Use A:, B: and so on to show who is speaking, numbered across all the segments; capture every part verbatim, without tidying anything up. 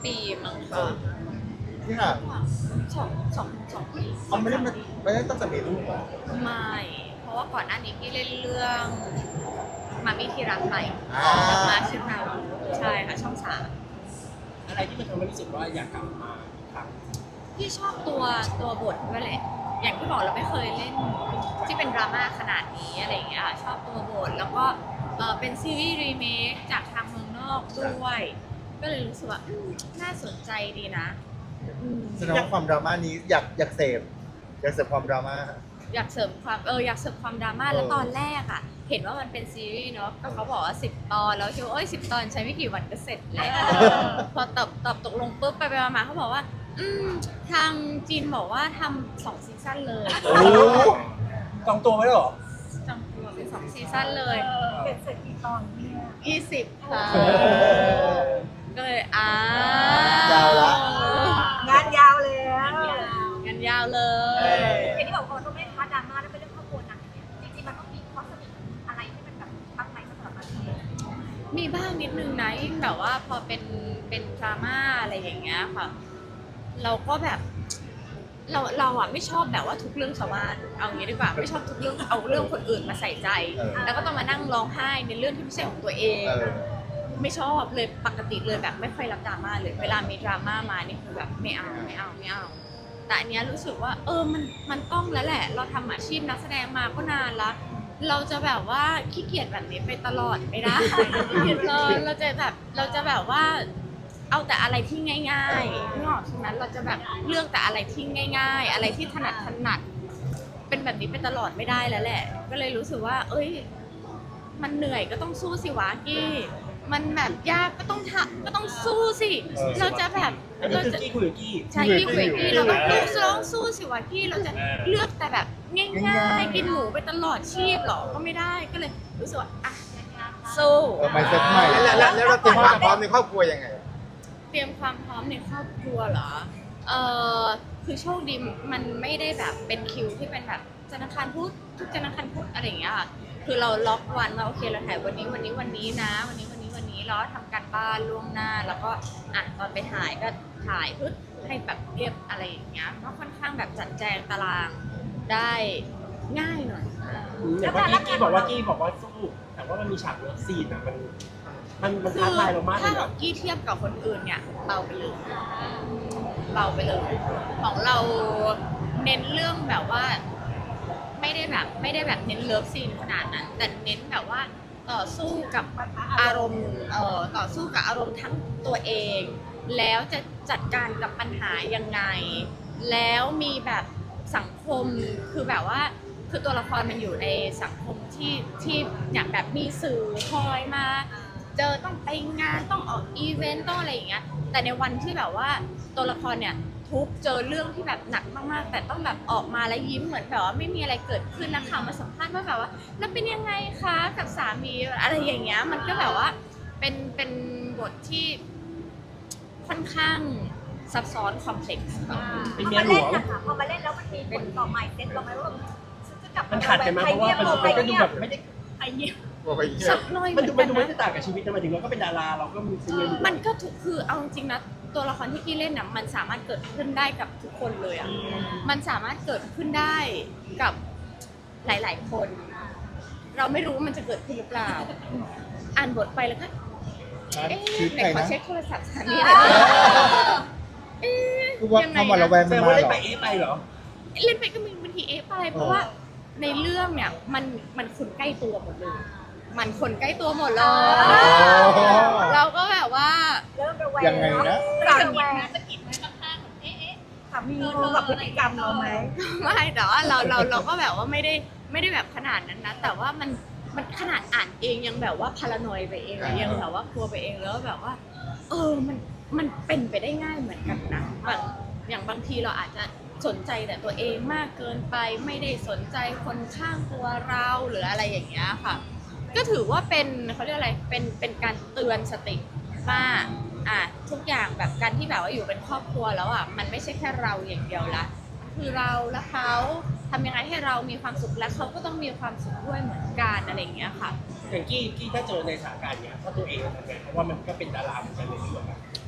A: ปีมั้งค่ะ
B: ที่ห่าง
A: สองสองสองปี
B: เขาไม่ได้มาไม่ได้ตั้งแต่มีลูกหรอ
A: ไม่เพราะว่าก่อนหน้านี้พี่เล่นเรื่องมามีที่รักใหม่กับมาชื่อนาวูใช่ค่ะช่องสาม
C: อะไรที่มันทำให้รู้สึกว่าอยากกลับมาอีกครั้ง
A: พี่ชอบตัวตัวบทด้วยแหละอย่างที่บอกเราไม่เคยเล่นที่เป็นดราม่าขนาดนี้อะไรอย่างเงี้ยชอบตัวบทแล้วก็เออเป็นซีรีส์รีเมคจากทางเมืองนอกด้วยก็เลยรู้สึกว่าน่าสนใจดีนะ
B: แสดงว่าความดราม่านี้อยากอยากเสพอยากเสพความดราม่า
A: อยากเสริมความเอออยากเสริมความดราม่าแล้วตอนแรกอ่ะเห็นว่ามันเป็นซีรีส์เนาะก็เขาบอกว่าสิบตอนแล้วคิดว่าเอ้ยสิบตอนใช้ไม่กี่วันก็เสร็จแล้วพอตอบตอบตกลงปุ๊บไปไปมาเขาบอกว่าอืมทางจีนบอกว่าทำสองซีซั่นเลย
C: จองตัวไว้หรอ
A: จองตัวเป็นสองซีซั่นเลย
D: เป็นเสร็จกี่ตอนเนี่ย
A: ยี่สิบค่ะก็เลยอ่
B: ายาวละ
D: งานยาวเลย
A: งานยาวเล
D: ยอย่างที่บอกว่าต้องไม่พาดราม่าแล้วเป็นเรื่องครอบครัวหนักเนี่ยจริงๆมันต้องมีข้อสรุปอะไรที่มันแบบตั้งใจสำหรับมัน
A: มีบ้างนิดนึงนะยิ่งแบบว่าพอเป็นเป็นดราม่าอะไรอย่างเงี้ยค่ะเราก็แบบเราเราอ่ะไม่ชอบแบบว่าทุกเรื่องชาวบ้านเอางี้ดีกว่าไม่ชอบทุกเรื่องเอาเรื่องคนอื่นมาใส่ใจแล้วก็ต้องมานั่งร้องไห้ในเรื่องที่ไม่ใช่ของตัวเองไม่ชอบเลยปกติเลยแบบไม่ค่อยรับดราม่าเลยเวลามีดราม่ามานี่คือแบบไม่เอาไม่เอาไม่เอาแต่อันเนี้ยรู้สึกว่าเออมันมันต้องแล้วแหละเราทำอาชีพนักแสดงมาก็นานละเราจะแบบว่าขี้เกียจแบบนี้ไปตลอดไม่ได้เราเราจะแบบเราจะแบบว่าเอาแต่อะไรที่ง่ายๆนึกออกใช่ไหมเราจะแบบเลือกแต่อะไรที่ง่ายๆอะไรที่ถนัดถนัดเป็นแบบนี้ไปตลอดไม่ได้แล้วแหละก็เลยรู้สึกว่าเอ้ยมันเหนื่อยก็ต้องสู้สิวะกี้มันแบบยากก็ต้องทำก็ต้องสู้สิเราจะแบบ
C: เราจะกี้คุยกับกี้
A: ใช่กี้คุยกี้เราต้องสู้ร้องสู้สิวะกี้เราจะเลือกแต่แบบง่ายๆกินหมูไปตลอดชีพหรอก็ไม่ได้ก็เลยรู้สึกว่าอ่ะสู้
B: ไม่เซ็ตใหม่แล้วแล้วเราเตรียมความพร้อมในครอบครัวยังไง
A: เตรียมความพร้อมในครอบครัวเหรอเออคือโชคดีมันไม่ได้แบบเป็นคิวที่เป็นแบบธนาคารพุธทุกธนาคารพุธอะไรอย่างเงี้ยค่ะคือเราล็อกวันว่าโอเคเราถ่ายวันนี้วันนี้วันนี้นะวันนี้วันนี้วันนี้แล้วทำการบ้านล่วงหน้าแล้วก็อ่ะตอนไปถ่ายก็ถ่ายพึ่ให้แบบเรียบอะไรอย่างเงี้ยก็ค่อนข้างแบบจัดแจงตารางได้ง่ายหน่อย
C: อย่างว่ากี้กี้บอกว่ากี้บอกว่าสู้แต่ว่ามันมีฉากเลิฟซีนอ่ะมันมันมันท้าทายเรามากเลย
A: ถ้าของกี้เทียบกับคนอื่นเนี่ยเบาไปเลยเบาไปเลยของเราเน้นเรื่องแบบว่าไม่ได้แบบไม่ได้แบบเน้นเลิฟซีนขนาดนั้นแต่เน้นแบบว่าต่อสู้กับอารมณ์เอ่อต่อสู้กับอารมณ์ทั้งตัวเองแล้วจะจัดการกับปัญหายังไงแล้วมีแบบสังคมคือแบบว่าคือตัวละครมันอยู่ในสังคมที่ที่อย่างแบบมีสื่อคอยมาเจอต้องไปงานต้องออกอีเวนต์ต้องอะไรอย่างเงี้ยแต่ในวันที่แบบว่าตัวละครเนี่ยทุกเจอเรื่องที่แบบหนักมากๆแต่ต้องแบบออกมาแล้วยิ้มเหมือนแบบว่าไม่มีอะไรเกิดขึ้นนะคะมาสัมภาษณ์ว่าแบบว่าแล้วเป็นยังไงคะกับสามีอะไรอย่างเงี้ยมันก็แบบว่าเป็นเป็นบทที่ค่อนข้างซับซ้อนคอมเพล็กซ์
D: เป็นเมียหลวงนะคะพอมาเล่นแล้วมันมีผลต่อใหม่เซ็ตเราไหมว่าจะกลับ
C: มันขัดกันไหมเพราะว่ามันก็ดูแบบไม่ได้
D: ไอเงียบ
A: สักน้อย
C: มันดูมันดูไม่ได้ต่างกับชีวิตนะหมายถึงเราก็เป็นดาราเราก็มีเป็นเมียหลวง
A: มันก็ถูกคือเอาจริงๆนะตัวละครที่กี้เล่นน่ะมันสามารถเกิดขึ้นได้กับทุกคนเลยอ่ะมันสามารถเกิดขึ้นได้กับหลายๆคนเราไม่รู้ว่ามันจะเกิดขึ้นหรือเปล่าอ่านบทไปแล้วก็เอ๊ะไหนขอเช็คโทรศัพท์สามีหน่อยเอ๊ะ
B: ยังไงนะ
C: แสดงว่าเล่นไปเอ๊ะไปเหรอ
A: เล่นไปก็มีบางทีเอ๊ะไปเพราะว่าในเรื่องเนี่ยมันมันคนใกล้ตัวหมดเลยมันคนใกล้ตัวหมดเลยเราก็แบบว่า
D: เริ่มระแวง
B: ยังไงนะ
D: สามีนะสะกิดไหมข้างๆเอ๊ะสามีรู้กับพฤติกรรมเราไหม
A: ไม่แต่ว่าเราเราเราก็แบบว่าไม่ได้ไม่ได้แบบขนาดนั้นนะแต่ว่ามันมันขนาดอ่านเองยังแบบว่าพารานอยไปเองยังแบบว่ากลัวไปเองแล้วแบบว่าเออมันมันเป็นไปได้ง่ายเหมือนกันนะบางอย่างบางทีเราอาจจะสนใจแต่ตัวเองมากเกินไปไม่ได้สนใจคนข้างตัวเราหรืออะไรอย่างเงี้ยค่ะก็ถือว่าเป็นเขาเรียกอะไรเป็นเป็นการเตือนสติว่าอ่ะทุกอย่างแบบการที่แบบว่าอยู่เป็นครอบครัวแล้วอ่ะมันไม่ใช่แค่เราอย่างเดียวละคือเราและเขาทำยังไงให้เรามีความสุขและเขาก็ต้องมีความสุขด้วยเหมือนกันอะไรอย่างเงี้ยค่ะ
C: อย่างกี้กี้ถ้าเจอในสถานการณ์เนี้ยถ้าตัวเองทำไงเพราะว่ามันก็เป็นดาราเหมือนกันในเรื่อง
A: ย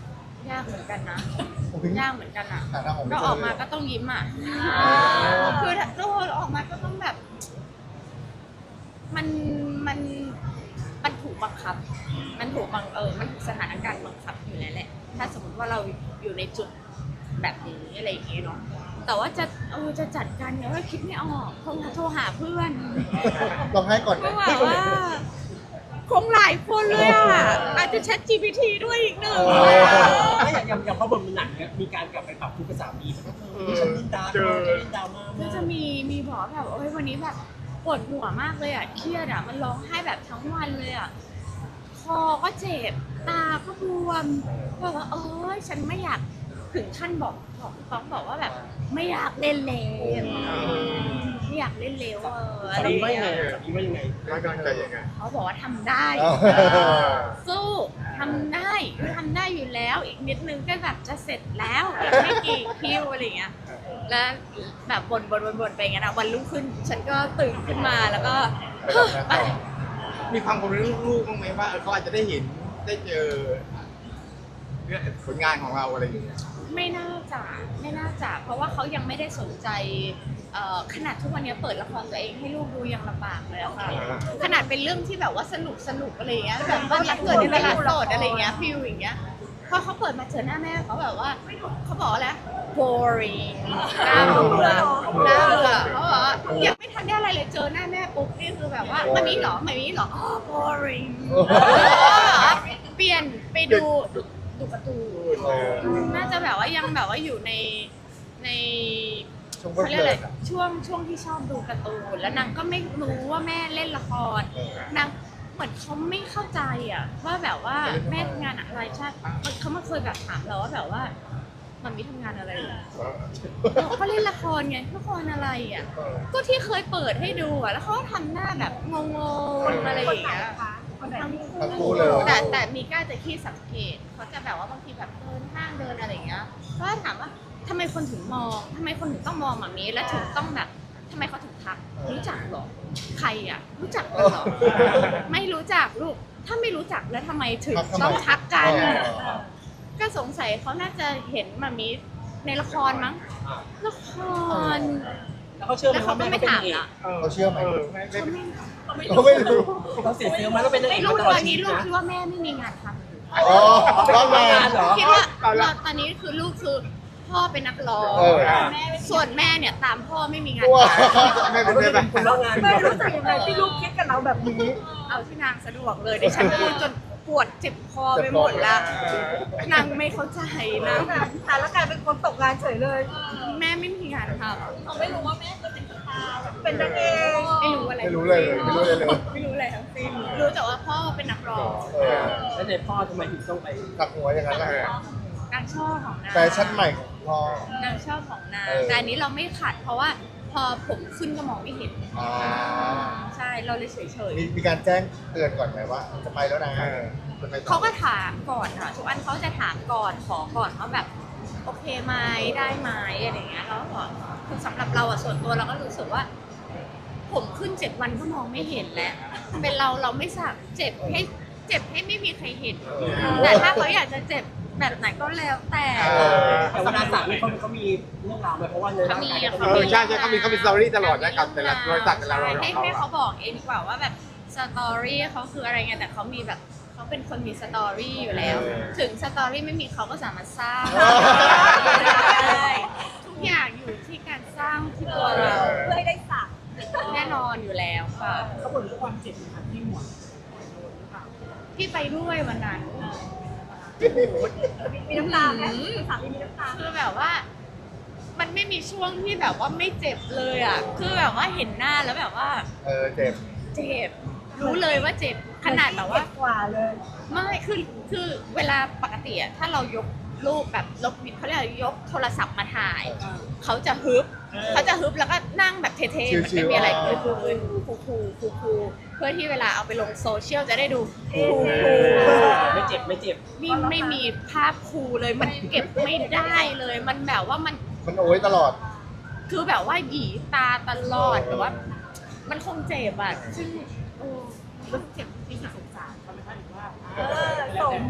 A: ยากเหมือนกันนะ
B: โอ้ย
A: ยากเหมือนกันอ่ะ
B: หาทางออกไม่
A: ก็
B: เจ
A: อ
B: อ
A: อกมา
B: เลย
A: ก็ต้องยิ้มอ่ะคือถ้าโดนออกมาก็ต้องแบบ มันมันมันถูกบังคับ มันถูกบังเออมันถูกสถานการณ์บังคับอยู่แล้วแหละ ถ้าสมมติว่าเราอยู่ในจุดแบบนี้อะไรอย่างเงี้ยเนาะแต่ว่าจะเออจะจัดการเนี่ยว่าคิดไม่ออกคงโทรหาเพื่อน
B: ลองให้ก่อน
A: ก็
B: นะ
A: แบบว่าคงหลายคนเลยอ่ะอาจจะ Chat จี พี ที ด้วยอีกหนึ่ง
C: ถ้าอย่างอย่างอย่างพอบทมันหนักเนี่ยมีการกลับไปปรับทุกข์กับสามีมันก็คือฉันดินดาเธอฉันดินดราม่า
A: ก็
C: มาก
A: จะมีมีบอกแบบโอ้ยวันนี้แบบปวดหัวมากเลยอ่ะเครียดอ่ะมันร้องไห้แบบทั้งวันเลยอ่ะคอก็เจ็บตาก็บวมแบบว่าเอ้ยฉันไม่อยากถึงขั้นบอกบอกต้องบอกว่าแบบไม่อยากเล่นแล้วไม่อยากเล่นแล้วเออ
C: สา
A: อะไร
C: มี
A: อย่าง
C: ว่ายังไง
A: เงี้ย
C: สามีว่ายังไง
E: ให้กำลังใจยังไง
A: เขาบอกว่าทำได้
B: เอา
A: สู้ทำได้ทำได้อยู่แล้วอีกนิดนึงก็แบบจะเสร็จแล้วอีกไม่กี่คิวอะไรอย่างเงี้ยแล้วแบบบ่นบ่นบ่นบ่นไปอย่างเงี้ยนะวันรุ่งขึ้น ฉันก็ตื่นขึ้นมาแล้วก็
B: ไปทำงานต่อ
E: มีความกังวลเรื่องลูกบ้างไหมว่าเออเขาอาจจะได้เห็นได้เจอเรื่องผลงานของเราอะไรอย่างเงี้ย
A: ไม่น่าจะไม่น่าจะเพราะว่าเขายังไม่ได้สนใจเอ่อขนาดทุกวันนี้เปิดละครตัวเองให้ลูกดูยังลำบากเลยอะค่ะขนาดเป็นเรื่องที่แบบว่าสนุกสนุกอะไรอย่างเงี้ยแบบบ้านรักเกิดในตลาดสดอะไรอย่างเงี้ยฟิลอย่างเงี้ยพอเขาเปิดมาเจอหน้าแม่เขาแบบว่าเขาบอกอะไร boring น่าเบื่อน่าเบื่อเขาบอกว่ายังไม่ทันได้อะไรเลยเจอหน้าแม่ปุ๊บนี่คือแบบว่ามันมีเหรอไม่มีเหรออ๋อ boring เปลี่ยนไปดูดูการ์ตูน
B: เออ
A: น่าจะแบบว่ายังแบบว่าอยู่ในใน
B: ช่วง
A: เขาเรียกอะไร
B: เลิกๆอะ
A: ช่วงช่วงที่ชอบดูการ์ตูนแล้วนางก็ไม่รู้ว่าแม่เล่นละคร
B: เออน
A: างเหมือนเขาไม่เข้าใจอ่ะว่าแบบว่าแม่ทำงานอะไรใช่เขามาเคยแบบถามเราว่าแบบว่ามันมีทำงานอะไรอ่ะเราก็เล่นละครไงละครอะไรอ่ะ
B: เออ
A: ก็ที่เคยเปิดให้ดูอ่ะแล้วเขาก็ทำหน้าแบบงงๆอะไรอย่างเงี้ย
D: คนไหน
A: ทั้ง
B: ทั้งคู่เลย
A: แต่แต่มีก้าจะขี้สังเกตเขาจะแบบว่าบางทีแบบเดินห้างเดินอะไรอย่างเงี้ยก็ถามว่าทำไมคนถึงมองทำไมคนถึงต้องมองแบบนี้แล้วถึงต้องแบบทำไมเขาถึงทักรู้จักเหรอใครอ่ะ รู้จักกันเหรอ ไม่รู้จักลูกถ้าไม่รู้จักแล้วทำไมถึง
B: ทักทำไม
A: ต้องทักกัน
B: เออ
A: ก็สงสัยเขาน่าจะเห็นมามีในละครมั้งละคร
C: แล้วเขาเชื่อไหม
A: แล้วเขา
C: ว่า
A: ก็
C: แม่
A: ไม่
C: เป็น
A: ถาม
C: เอก
A: ละ
B: เขาเชื่อไหม
E: เออไม่ไม่
A: เขาไม่
B: เขาไม่รู้
C: เขาเสียเซลล์ไหมว่าเป็นนางเอ
A: ไม่
C: ก
A: รู้
C: มาตลอด
A: ตอน
C: ชี
A: นี้
C: วิต
A: ลูก
C: นะ
A: คิดว่าแม่ไม่มีงานทำ
B: อ๋อรอดมา
C: เหรอ
A: คิดว่าเราตอนนี้คือลูกคือพ่อเป็นนักร้อง
B: เออ
A: แม่เป็นส่วนแม่เนี่ยตามพ่อไม่มีงาน
B: ว้า
A: ทำ
E: ไม่
C: เขา
E: เป็น
C: ไม่
E: ไร
C: ได้เป็นคนเล่างาน
D: ไม่รู้สึกยังไงที่ลูกคิดกับเราแบบนี้
A: เอาที่นางสะดวกเลยดิฉันพูดจนปวดเจ็บคอไปหมดละนางไม่เข้าใจนะ
D: แต่ละกลายเป็นคนตกงานเฉยเลย
A: แม่ไม่มีงานท
D: เขาไม่รู้ว่าแม่จะเป็นสตาร์เป็นนางเอก
A: ำไม่รู้อะไร
B: ไม่รู้เลยไม่รู้เลยเลย
A: ไม่รู้อะไรทั้งสิ้นรู้แต่ว่าพ่อเป็นนักร้อง
B: เออ
C: แล้วในพ่อทำไมถึงต้องไป
B: ขับหัวอย่างนั้นแหละ
A: นางชอบของนาง
B: แฟชั่นใหม่ของพ่อน
A: างชอบของนาง
B: เออ
A: แต่อันนี้เราไม่ขัด เพราะว่าพอผมขึ้นก็มองไม่เห็น
B: อ่า
A: ใช่เราเลยเฉย
B: มีมีการแจ้งเตือนก่อนไหมว่าจะไปแล้วนะ
E: เออ
B: จะไปต่อ
A: ๆเขาก็ถามก่อนค่ะทุกอันเขาจะถามก่อนขอก่อนว่าแบบโอเคไหมได้ไหมอะไรอย่างเงี้ยเราก็บอกคือสำหรับเราอะส่วนตัวเราก็รู้สึกว่า ผมขึ้นเจ็ดวันก็มองไม่เห็นแล้ว เป็นเราเราไม่สักเจ็บให้เจ็บให้ไม่มีใครเห็น แต่ถ้าเขาอยากจะเจ็บแบบไหนก็แล้วแต่
B: เออ
C: แต่เวลาสักนี่เขาเขามีเรื่องราวไหมเพราะว่าในร่างกาย
A: เขา
C: เขา
A: มี
E: เอ
C: มี
E: อใช่ใช่เขามีเขามีสตอรี่ตลอดนะกับแต่ละรอยสักแต่ละรอยขอ
A: ให้
E: งเขา
A: ให้
E: อะ
A: เขาบอกเองดีกว่าว่าแบบสตอรี่เขาคืออะไรไงแต่เขามีแบบเขาเป็นคนมีสตอรี่อยู่แล้ว ถึงสตอรี่ไม่มีเขาก็สามารถสร้างได้ทุกอย่างอยู่ที่การสร้างที่ตัวเรา
D: เพื่อให้ได้สัก
A: แน่นอนอยู่แล้วค่ะ
C: เขาบ่นเรื่องความเจ็บนะครับที่หัว
A: พี่ไปด้วยวันนั้น
D: มีน้ำตาไหมสามีมีน้ำตา
A: คือแบบว่า มันไม่มีช่วงที่แบบว่าไม่เจ็บเลยอ่ะคือแบบว่าเห็นหน้าแล้วแบบว่า
B: เออเจ็บ
A: เจ็บรู้เลยว่าเจ็บขนาดแบบว่า
D: กว่าเลย
A: ไม่คือคือเวลาปกติอะถ้าเรายกรูปแบบลบเขาเรียกอะไรยกโทรศัพท์มาถ่าย เขาจะฮึบเขาจะฮึบแล้วก็นั่งแบบเท่ๆเหมือนไม่มีอะไรเกิดขึ้นคูคูคูคูเพื่อที่เวลาเอาไปลงโซเชียลจะได้ดูคูคู
C: ไม่เจ็บไม่เจ็บ
A: นี่ไม่มีภาพคูเลยมันเก็บไม่ได้เลย มันแบบว่ามัน
B: มันโอ้ยตลอด
A: คือแบบว่าหยีตาตลอดแต่ว่า มันคงเจ็บอะซึ่งโอ้มันเจ็บจริงๆสงสารเขาไหมคะหรือว่า
D: เออสมสม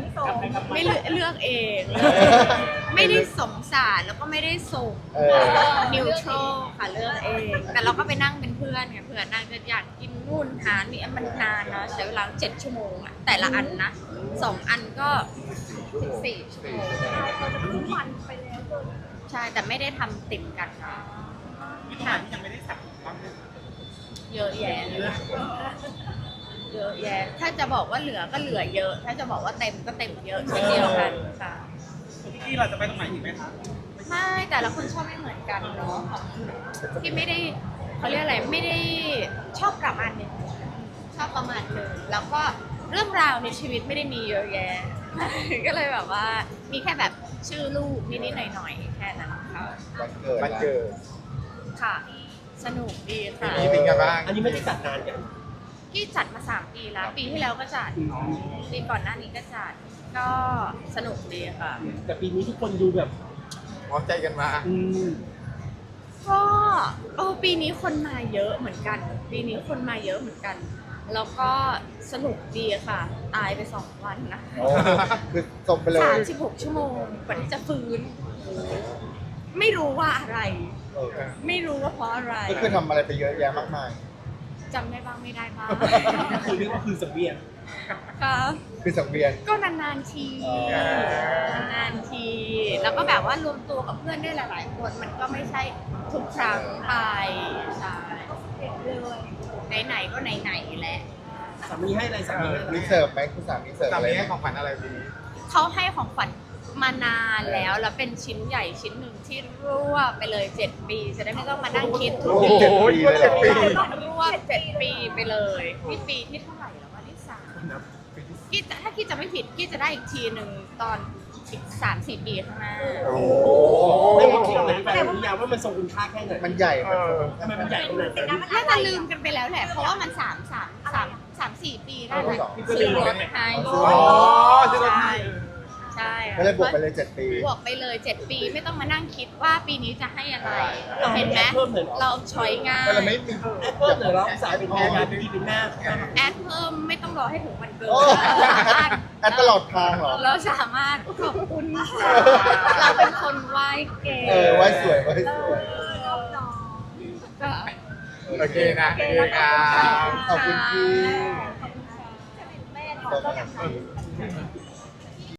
A: ไม่เลือกเลือกเอง ไม่ได้สงสารแล้วก็ไม่ได้ส่ง
B: เออ
A: นิวทรัลค่ะเลือกเอง แต่เราก็ไปนั่งเป็นเพื่อนไงเพื่อนนั่งจะอยากกินนู่นหานี่มันนานนะใช้เวลาเจ็ดชั่วโมงอะแต่ละอันนะสองอันก็สิบสี่ชั่วโมง
D: เราจะรู้วันไปแล้วเลย
A: ใช่แต่ไม่ได้ทำติดกันนะค่ะยังไม่ได้สั่งเยอะแยะเลยเยอะแยะถ้าจะบอกว่าเหลือก็เหลือเยอะ ถ้าจะบอกว่าเต็มก็เต็มเยอะเช่นเดียวกันค่ะ
C: พี่เราจะไปตรงไหนอีกไหมคะ
A: ไม่แต่ละคนชอบไม่เหมือนกันเนาะที่ไม่ได้เขาเรียกอะไรไม่ได้ชอบประมาณหนึงชอบประมาณหนึงแล้วก็เรื่องราวในชีวิตไม่ได้มีเยอะแยะ ก็เลยแบบว่ามีแค่แบบชื่อลูกนิดๆหน่อยๆแค่นั้นค่ะ
B: วันเกิด
E: มันเจอ
A: ค่ะ สนุกดีค่ะ
E: ปีนี้เป็นไงบ้าง
C: อันนี้ไม่ได้จัดนานกัน
A: ที่จัดมาสามปีแล้ว ปีที่แล้วก็จัดปีก่อนหน้านี้ก็จัดก็สนุกดีค่ะ
C: แต่ปีนี้ทุกคนดูแบบ
E: พร้อมใจกันมา
C: อืม
A: ก็เออปีนี้คนมาเยอะเหมือนกัน ปีนี้คนมาเยอะเหมือนกัน แล้วก็สนุกดีค่ะ ตายไปสองวันนะ
B: โอ้คือจบไปเลย
A: สามสิบหกชั่วโมงกว่าที่จะฟื้น ไม่รู้ว่าอะไร
B: เออ
A: ไม่รู้ว่าเพราะอะไร
B: ก็คือทำอะไรไปเยอะแยะมากมาย
A: จำได้บ้างไม่ได้บ้าง
C: คือเรียกว่าคือสังเวียน
A: ก็
B: คือสังเวียน
A: ก็นานๆที
B: อ๋อ
A: นานๆที แล้วก็แบบว่ารวมตัวกับเพื่อนได้หลาย ๆ คน มันก็ไม่ใช่ทุกครั้งไปใช่
D: เด็กเลย
A: ไหนๆก็ไหนๆแหละ
C: สามีให้อะไรสามีให้อะไร
B: มีเสิร์ฟไหมคุณสามีเสิร์ฟ
E: สา
B: อะไร
E: มี
B: ไหม
E: ให้ของขวัญอะไรปีนี้
A: เขาให้ของขวัญมานานแล้ว แล้วเป็นชิ้นใหญ่ชิ้นหนึ่งที่รวบไปเลยเจ็ดปี จะได้ไม่ต้องมานั่งคิดทุก
B: โอ้
A: ปี
B: โหเจ็ดปีเลยเหรอ
A: รวบเจ็ดปีไปเลยนี่ปีที่เท่าไหร่แล้ววะที่สามกี้จะถ้ากี้จะไม่ผิดกี้จะได้อีกทีหนึ่งตอนอีกสามสี่ปีข้างหน้า
B: โอ้โห
C: ไม่ว่าคิดอะไรไปหรือยังว่ามันทรงคุณค่าแค่ไหน
B: มันใหญ่มัน
C: ทำไมมันใหญ่ขนาดนั้น
A: น่าจะลืมกันไปแล้วแหละ เพราะว่ามันสามสามสามสามสี่ปีได้แหละซื้อรถให้
E: อ๋อซื้อรถให้
A: ใช่
B: ก็เลยบวกไปเลยเจ็ดปี
A: บวกไปเลยเจ็ดปีไม่ต้องมานั่งคิดว่าปีนี้จะให้อะไรเห็นไหม
C: เพิ่มเลยเหรอ
A: เราช้อยง่าย
B: ก็เลยไม่มี
C: แอปเปิ้ลเหรอเราสายเป็นแม่งานเป็นพี่เป็นแม่
A: แอดเพิ่มไม่ต้องรอให้ถึงวันเกิด
B: โอ้
A: เราสามารถ
B: แอดตลอดทางเหรอ
A: เราสามารถขอบคุณค่ะเราเป็นคนไหว้เก่ง
B: เออไว้สวยไว้สวย
A: ก็
E: โอเคนะโอเคครับ
B: ขอบคุณพี่
D: แม่เราก็อยากทำ